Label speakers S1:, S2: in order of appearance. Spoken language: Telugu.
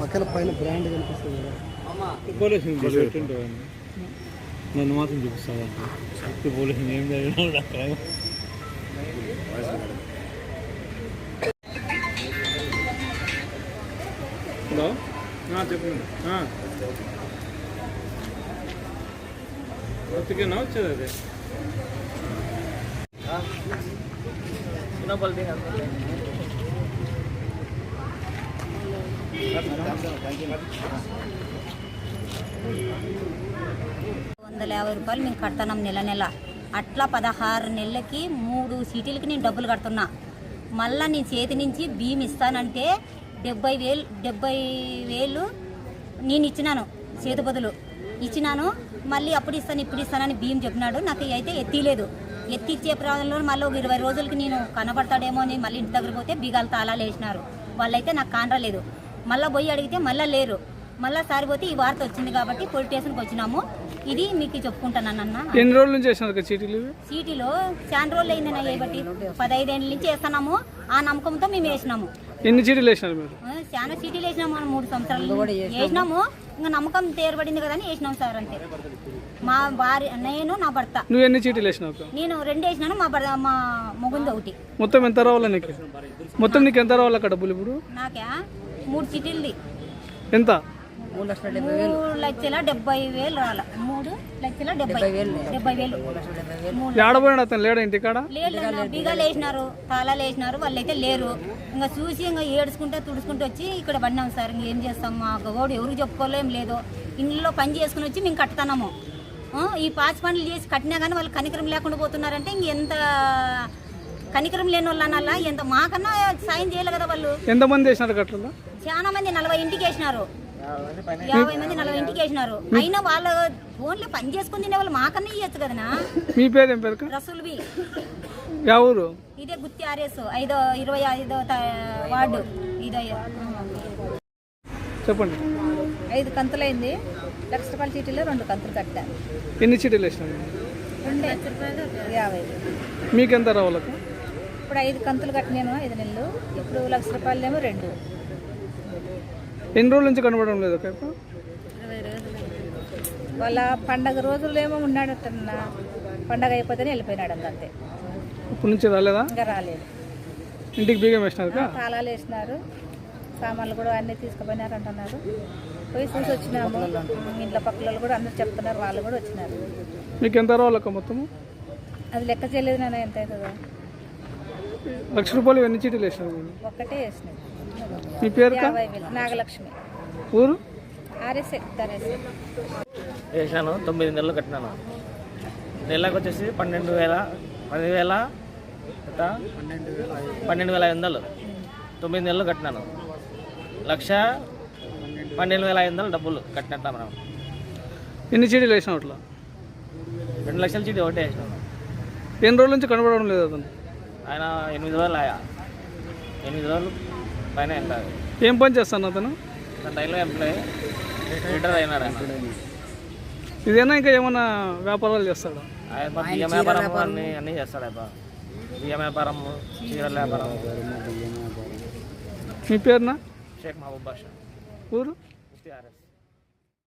S1: పక్కన పైన బ్రాండ్ కనిపిస్తుంది
S2: నన్ను మాత్రం చూపిస్తాను పోలీసు ఏం జరిగినా హలో చెప్పండి ఒత్తికేనా వచ్చేది అదే
S3: రూపాయలు మేము కడుతున్నాం నెల నెల. అట్లా 16 నెలలకి 3 సీటీలకి నేను డబ్బులు కడుతున్నా. మళ్ళీ నేను చేతి నుంచి బియ్యం ఇస్తానంటే 70,000 నేను ఇచ్చినాను, చేతి బదులు ఇచ్చినాను. మళ్ళీ అప్పుడు ఇస్తాను ఇప్పుడు ఇస్తానని బియ్యం చెప్పినాడు. నాకు అయితే ఎత్తిలేదు. ఎత్తిచ్చే ప్రాంతంలో మళ్ళీ ఒక 20 రోజులకి నేను కనబడతాడేమో అని మళ్ళీ ఇంటి దగ్గర పోతే బీగాలు తాళాలు వేసినారు. వాళ్ళైతే నాకు కానరాలేదు. మళ్ళీ పోయి అడిగితే మళ్ళీ లేరు. మళ్ళీ సారిపోతే ఈ వార్త వచ్చింది కాబట్టి పోలీస్ స్టేషన్కి వచ్చినాము. ఇది మీకు చెప్పుకుంటాను అన్న.
S2: ఎన్ని రోజుల నుంచి వేసినారు
S3: సీటీలో? చాలా రోజులు అయిందన్న బట్టి 15 ఏళ్ళ నుంచి వేస్తున్నాము. ఆ నమ్మకంతో మేము వేసినాము.
S2: ఎన్ని చీటీలు వేసినారు మీరు?
S3: చాలా సీటీలు వేసినాము. 3 సంవత్సరాలు వేసినాము. ఇంకా నమ్మకం తేరబడింది కదా అని వేసినాం సార్. అంతే. మా భార్య, నేను, నా భర్త.
S2: నువ్వు ఎన్ని చీటీలు వేసినావు?
S3: నేను 2 వేసినాను. మా మొగుంది 1.
S2: మొత్తం ఎంత రావాలా నీకు? మొత్తం నీకు ఎంత రావాలి అక్కడ డబ్బులు ఇప్పుడు?
S3: నాకా 3 చీటీలది
S2: ఎంత?
S3: 3,70,000 రావాలి. 3,70,000.
S2: ఆడబోయాడు అతను లేడా ఇంటికాడ?
S3: లేదు, బీగాలు వేసినారు, తాళాలు వేసినారు. వాళ్ళైతే లేరు. ఇంకా చూసి ఇంకా ఏడుచుకుంటే తుడుచుకుంటూ వచ్చి ఇక్కడ పడినాం సార్. ఇంకేం చేస్తాం? మా గోడు ఎవరికి చెప్పుకోలేం లేదు. ఇంట్లో పని చేసుకుని వచ్చి మేము కట్టుతున్నాము. ఈ పాచి పనులు చేసి కట్టినా కానీ వాళ్ళు కనికరం లేకుండా పోతున్నారంటే ఇంకెంత కనికరం లేని వాళ్ళు అనాలా? ఎంత మాకన్నా సాయం చేయాలి కదా వాళ్ళు.
S2: ఎంతమంది వేసినారు కట్టలు?
S3: చాలా మంది 40 ఇంటికి వేసినారు. 50 మంది 40 ఇంటికి వేసినారు. అయినా వాళ్ళ ఫోన్లో పని చేసుకుని తినే వాళ్ళు మాకన్నా ఇవ్వచ్చు కదనా.
S2: మీ పేరు ఏం పేరు?
S3: రసూల్వి.
S2: ఎవరు?
S3: ఇదే గుత్తి RS 25వ వార్డు. ఇదే
S2: చెప్పండి.
S3: 5 కంతులైంది. ₹1,00,000 చీటీలో 2 కంతులు కట్టా.
S2: ఎన్ని చీటీలు వేసినారు?
S3: 2,50,000.
S2: మీకెంత రావాలి?
S3: ఇప్పుడు 5 కంతులు కట్టినాను 5 నెలలు. ఇప్పుడు ₹1,00,000 ఏమో 2.
S2: ఎన్ని రోజుల నుంచి కనబడడం లేదు?
S3: 20 రోజులు. వాళ్ళ పండగ రోజులేమో ఉన్నాడటన్నా. పండగ అయిపోతేనే వెళ్ళిపోయినాడు. అంతే.
S2: ఇప్పటి నుంచి రాలేదా?
S3: ఇంకా రాలేదు.
S2: ఇంటికి బీగం వేసినారు?
S3: తాళాలు వేసినారు. సామాన్లు కూడా అన్నీ తీసుకుపోయినారు అంటున్నారు. పోయి చూసి వచ్చినాము. ఇంట్లో పక్కల కూడా అందరు చెప్తున్నారు. వాళ్ళు కూడా వచ్చినారు.
S2: మీకు ఎంత రావాలక్క మొత్తము?
S3: అది లెక్క చేయలేదు నాన్న. ఎంత అవుతుందో?
S2: ₹1,00,000 ఎన్ని చీటీలు వేసినారు?
S3: ఒక్కటే వేసినాయి.
S2: మీ పేరు?
S3: నాగలక్ష్మి.
S2: ఊరు?
S3: RS
S4: వేసాను. 9 నెలలు కట్టినాను. నెలకు వచ్చేసి 12,500. 9 నెలలు కట్టినాను. 1,12,500 డబ్బులు కట్టినట్ట మనం.
S2: ఎన్ని చీటీలు వేసినావు అట్లా?
S4: 2 లక్షల చీటీ ఒకటే వేసినాను.
S2: ఎన్ని రోజుల నుంచి కనబడడం లేదు అతను?
S4: ఆయన 8 రోజులు 8 రోజులు పైన వెళ్ళాలి.
S2: ఏం పని చేస్తాను అతను?
S4: రైల్వే ఎంప్లాయీ, రిటైర్ అయినాడు.
S2: ఇదేనా ఇంకా ఏమైనా వ్యాపారాలు చేస్తాడా?
S4: ఆయన బియ్యం వ్యాపారం అన్నీ చేస్తాడు. బియ్యం వ్యాపారం, చీరల వ్యాపారం.
S2: మీ పేరునా?
S4: షేక్ మహబూబ్ బాషా.
S2: ఊరు?
S4: RS.